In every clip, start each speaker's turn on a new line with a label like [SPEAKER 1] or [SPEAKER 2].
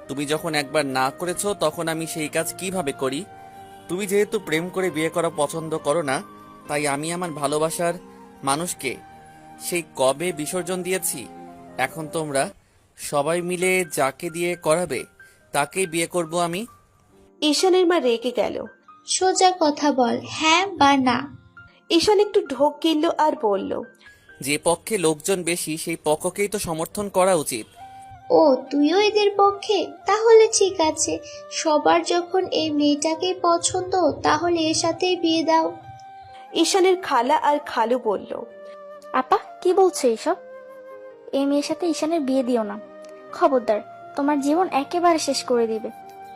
[SPEAKER 1] তুমি যখন একবার না করেছো তখন আমি সেই কাজ কিভাবে করি? তুমি যেহেতু প্রেম করে বিয়ে করা পছন্দ করো না, তাই আমি আমার ভালোবাসার মানুষকে সেই কবে বিসর্জন দিয়েছি। এখন তোমরা সবাই মিলে যাকে দিয়ে করাবে তাকেই বিয়ে করব আমি।
[SPEAKER 2] ঈশানের মা রেগে গেল।
[SPEAKER 3] সোজা কথা বল, হ্যাঁ বা না।
[SPEAKER 2] ঈশান একটু ঢোক গিলল আর বলল,
[SPEAKER 1] যে পক্ষে লোকজন বেশি সেই পক্ষকেই তো সমর্থন করা উচিত।
[SPEAKER 3] ও, তুইও এদের পক্ষে? তাহলে ঠিক আছে, সবার যখন এই মেয়েটাকে পছন্দ, তাহলে এর সাথেই বিয়ে দাও।
[SPEAKER 2] ঈশানের খালা আর খালু বলল,
[SPEAKER 4] আপা কি বলছো এইসব? এই মেয়ের সাথে ঈশানের বিয়ে দিও না, খবরদার, তোমার জীবন একেবারে শেষ করে দিবে।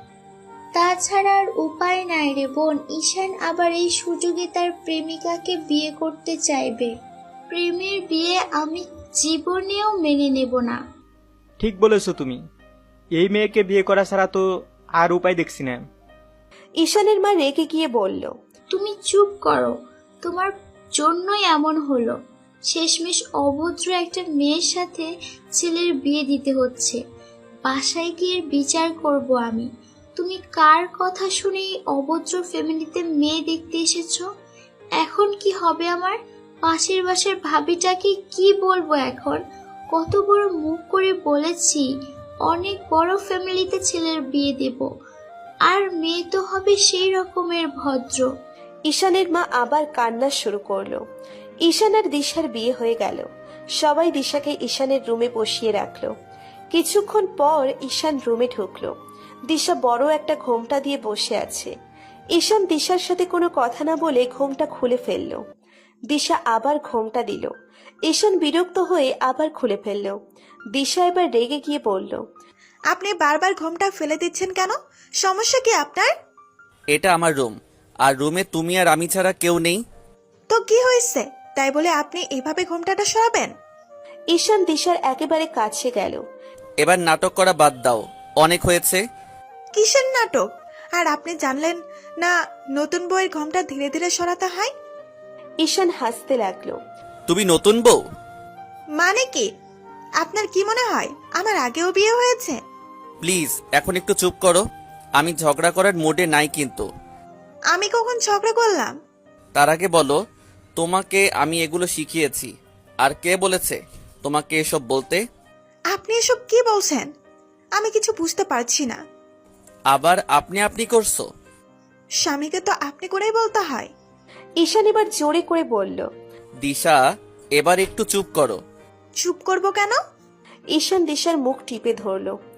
[SPEAKER 3] তাছাড়া আর উপায় নাই রে বোন, ঈশান আবার এই সুযোগে তার প্রেমিকাকে বিয়ে করতে চাইবে। প্রেমের বিয়ে আমি জীবনেও মেনে নেব না।
[SPEAKER 5] ঠিক বলেছো তুমি, এই মেয়েকে বিয়ে করা ছাড়া তো আর উপায় দেখছি না।
[SPEAKER 2] ঈশানের মা রেগে গিয়ে বলল,
[SPEAKER 3] তুমি চুপ করো, তোমার জন্যই এমন হলো। শেষমেশ অভদ্র একটা মেয়ের সাথে ছেলের বিয়ে দিতে হচ্ছে। বাসায় গিয়ে বিচার করব আমি। তুমি কার কথা শুনে এই অভদ্র ফ্যামিলিতে মেয়ে দেখতে এসেছো? এখন কি হবে আমার? পাশের বাসার ভাবিটাকে কি বলবো এখন? কত বড় মুখ করে বলেছি অনেক বড় ফ্যামিলিতে ছেলের বিয়ে দেব, আর মেয়ে তো হবে সেই রকমের ভদ্র।
[SPEAKER 2] ঈশানের মা আবার কান্না শুরু করলো। ঈশান আর দিশার বিয়ে হয়ে গেল। সবাই দিশাকে ঈশানের রুমে বসিয়ে রাখলো। কিছুক্ষণ পর ঈশান রুমে ঢুকলো। দিশা বড় একটা ঘোমটা দিয়ে বসে আছে। ঈশান দিশার সাথে কোনো কথা না বলে ঘোমটা খুলে ফেললো। দিশা আবার ঘোমটা দিল। ঈশান বিরক্ত হয়ে আবার খুলে ফেললো। দিশা এবার রেগে গিয়ে বলল,
[SPEAKER 6] আপনি বারবার ঘোমটা ফেলে দিচ্ছেন কেন? সমস্যা কি আপনার?
[SPEAKER 1] এটা আমার রুম, আর রুমে তুমি আর আমি ছাড়া কেউ নেই।
[SPEAKER 6] তো কি হয়েছে, তাই বলে আপনি এভাবে ঘোমটাটা সরাবেন?
[SPEAKER 2] ঈশান দিশার একেবারে কাছে গেল।
[SPEAKER 1] এবার নাটক করা বাদ দাও, অনেক হয়েছে।
[SPEAKER 6] কিসের নাটক? আর আপনি জানলেন না নতুন বউয়ের ঘোমটা ধীরে ধীরে সরাতে হয়?
[SPEAKER 2] ঈশান হাসতে লাগলো।
[SPEAKER 1] তুমি নতুন বউ?
[SPEAKER 6] মানে কি? আপনার কি মনে হয় আমার আগেও বিয়ে হয়েছে?
[SPEAKER 1] প্লিজ এখন একটু চুপ করো, আমি ঝগড়া করার মুডে নাই কিন্তু।
[SPEAKER 6] আমি কখন ঝগড়া করলাম?
[SPEAKER 1] তার আগে বলো, তোমাকে আমি এগুলো শিখিয়েছি, আর কে বলেছে তোমাকে এসব বলতে?
[SPEAKER 6] আপনি এসব কি বলছেন? আমি কিছু বুঝতে পারছি না।
[SPEAKER 1] আবার আপনি আপনি করছো?
[SPEAKER 6] স্বামীকে তো আপনি করেই বলতে হয়।
[SPEAKER 2] ঈশান এবার জোরে করে বলল,
[SPEAKER 1] দিশা এবার একটু চুপ করো।
[SPEAKER 6] চুপ করব কেন?
[SPEAKER 2] ঈশান দিশার মুখ টিপে ধরল।